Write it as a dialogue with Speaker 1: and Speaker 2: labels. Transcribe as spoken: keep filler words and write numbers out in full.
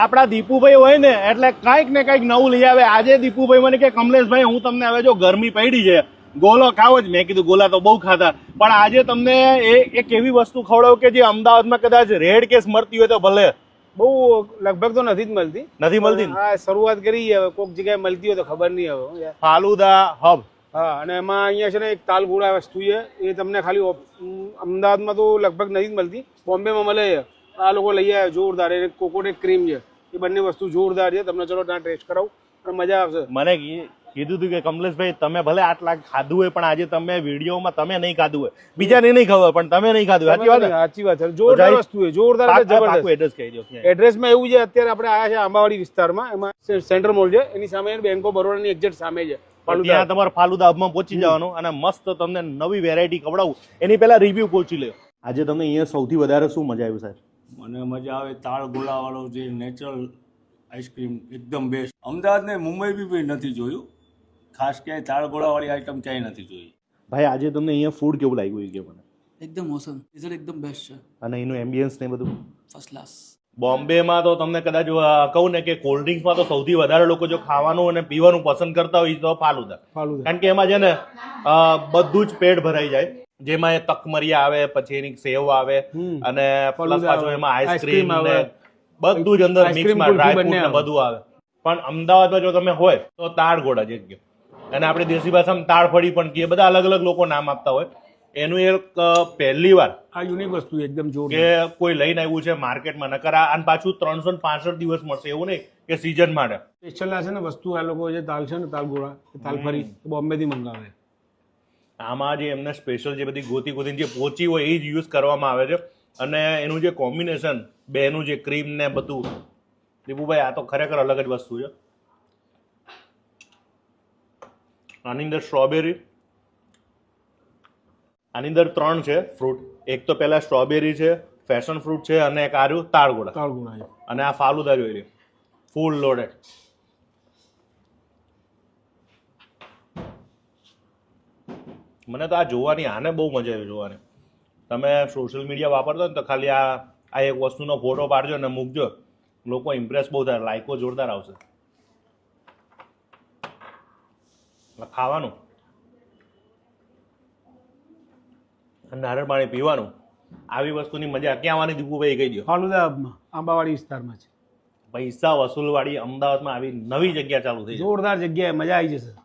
Speaker 1: આપણા દીપુભાઈ હોય ને એટલે કાંઈક ને કાંઈક નવું લઈ આવે. આજે દીપુભાઈ મને કે કમલેશભાઈ હું તમને હવે જો ગરમી પડી છે ગોલો ખાવો જ. મેં કીધું ગોલા તો બહુ ખાતા, પણ આજે તમને એ એક એવી વસ્તુ ખવડાવું કે જે અમદાવાદમાં કદાચ રેડ કેસ મળતી હોય તો ભલે.
Speaker 2: બહુ લગભગ તો નથી જ મળતી.
Speaker 1: નથી મળતી ને?
Speaker 2: હા, શરૂઆત કરી હવે, કોઈક જગ્યાએ મળતી હોય તો ખબર નહીં હવે.
Speaker 1: ફાલુદા હબ.
Speaker 2: હા, અને એમાં અહીંયા છે ને એક તાલગોળા વસ્તુ છે, એ તમને ખાલી અમદાવાદમાં તો લગભગ નથી જ મળતી, બોમ્બેમાં મળે છે. આ લોકો લઈ આવ્યા જોરદાર. એ કોકોનટ ક્રીમ છે, એ બંને વસ્તુ જોરદાર છે. તમને ચલો ત્યાં ટેસ્ટ કરાવું અને મજા આવશે.
Speaker 1: મને કીધું હતું કે કમલેશભાઈ તમે ભલે આટલા ખાધું હોય પણ આજે તમે વિડીયોમાં તમે નહીં ખાધું હોય, બીજાને નહીં ખબર પણ તમે નહીં ખાધું. સાચી વાત?
Speaker 2: સાચી વાત છે. જોરદાર વસ્તુ છે, જોરદાર.
Speaker 1: એડ્રેસ કહી દો.
Speaker 2: એડ્રેસમાં એવું છે, અત્યારે આપણે આવ્યા છે આંબાવાડી વિસ્તારમાં, એમાં સેન્ટ્રલ મોલ છે, એની સામે બેંક ઓફ બરોડાની એક્ઝેક્ટ સામે છે.
Speaker 1: ત્યાં તમારે ફાલુદા હબમાં પહોંચી જવાનું અને મસ્ત તમને નવી વેરાયટી ખવડાવું. એની પહેલા રિવ્યુ પહોંચી લે. આજે તમને અહીંયા સૌથી વધારે શું મજા આવ્યું સાહેબ?
Speaker 3: મને મજા આવે તાળ ગોળાવાળો જે નેચરલ આઈસ્ક્રીમ એકદમ બેસ્ટ. અમદાવાદ ને મુંબઈ બી નથી જોયું, ખાસ ક્યાંય તાળ ગોળાવાળી આઈટમ ક્યાંય નથી જોઈ.
Speaker 1: ભાઈ આજે તમને અહીંયા ફૂડ કેવું લાગ્યું એ કે મને?
Speaker 4: એકદમ ઓસમ, રિઝલ્ટ એકદમ બેસ્ટ છે.
Speaker 1: અને એનું એમ્બિયન્સ ને બધું
Speaker 4: ફર્સ્ટ ક્લાસ.
Speaker 1: બોમ્બેમાં તો તમને કદાચ કહું ને કે કોલ્ડ ડ્રિંક્સમાં તો સૌથી વધારે લોકો જો ખાવાનું અને પીવાનું પસંદ કરતા હોય તો ફાલુદા. કારણ કે એમાં છે ને બધું જ પેટ ભરાઈ જાય. જેમાં એ તકમરિયા આવે, પછી એની સેવ આવે અને પ્લસ પાછું એમાં આઈસ્ક્રીમ ને બધું જ અંદર મિક્સમાં ડ્રાય ફ્રૂટ ને બધું આવે. પણ અમદાવાદમાં જો તમે હોય તો તાળ ગોળા જે કે, અને આપણે દેશી ભાષામાં તાળ ફળી પણ કહીએ, બધા અલગ અલગ લોકો નામ આપતા હોય. એનું એક પહેલી વાર
Speaker 2: આ યુનિક વસ્તુ એકદમ જોરદાર
Speaker 1: કે કોઈ લઈને આવ્યું છે માર્કેટમાં. નકર અને પાછું ત્રણસો પાસઠ દિવસ મળશે, એવું નહીં કે સીઝન માટે
Speaker 2: સ્પેશિયલ છે ને વસ્તુ. આ લોકો જે તાલ છે ને તાલ ગોળા, તાલ ફરી બોમ્બે થી મંગાવે.
Speaker 1: આમાં જે એમને સ્પેશિયલ જે બધી ગોતી ગોતી જે પોચી હોય એ જ યુઝ કરવામાં આવે છે. અને એનું જે કોમ્બિનેશન બેનું જે ક્રીમ ને બધું, દીપુભાઈ આ તો ખરેખર અલગ જ વસ્તુ છે. આની અંદર સ્ટ્રોબેરી, આની અંદર ત્રણ છે ફ્રૂટ. એક તો પહેલા સ્ટ્રોબેરી છે, ફેશન ફ્રૂટ છે, અને એક આર્યું તાળગોળા.
Speaker 2: તાળગોળા
Speaker 1: અને આ ફાલુદા જોઈ લે, ફૂલ લોડેડ. મને તો આ જોવાની, આને બહુ મજા આવી જોવાની. તમે સોશિયલ મીડિયા વાપરતો ને તો ખાલી આ આ એક વસ્તુનો ફોટો પાડજો અને મૂકજો, લોકો ઇમ્પ્રેસ બહુ થાય, લાઈકો જોરદાર આવશે. ખાવાનું, નારિયેળ પાણી પીવાનું, આવી વસ્તુની મજા ક્યાં આવવાની દીપુભાઈ કહી દો?
Speaker 2: ફાલુદા હબમાં, આંબાવાડી વિસ્તારમાં છે.
Speaker 1: પૈસા વસૂલવાળી અમદાવાદમાં આવી નવી જગ્યા ચાલુ થઈ,
Speaker 2: જોરદાર જગ્યાએ મજા આવી જશે.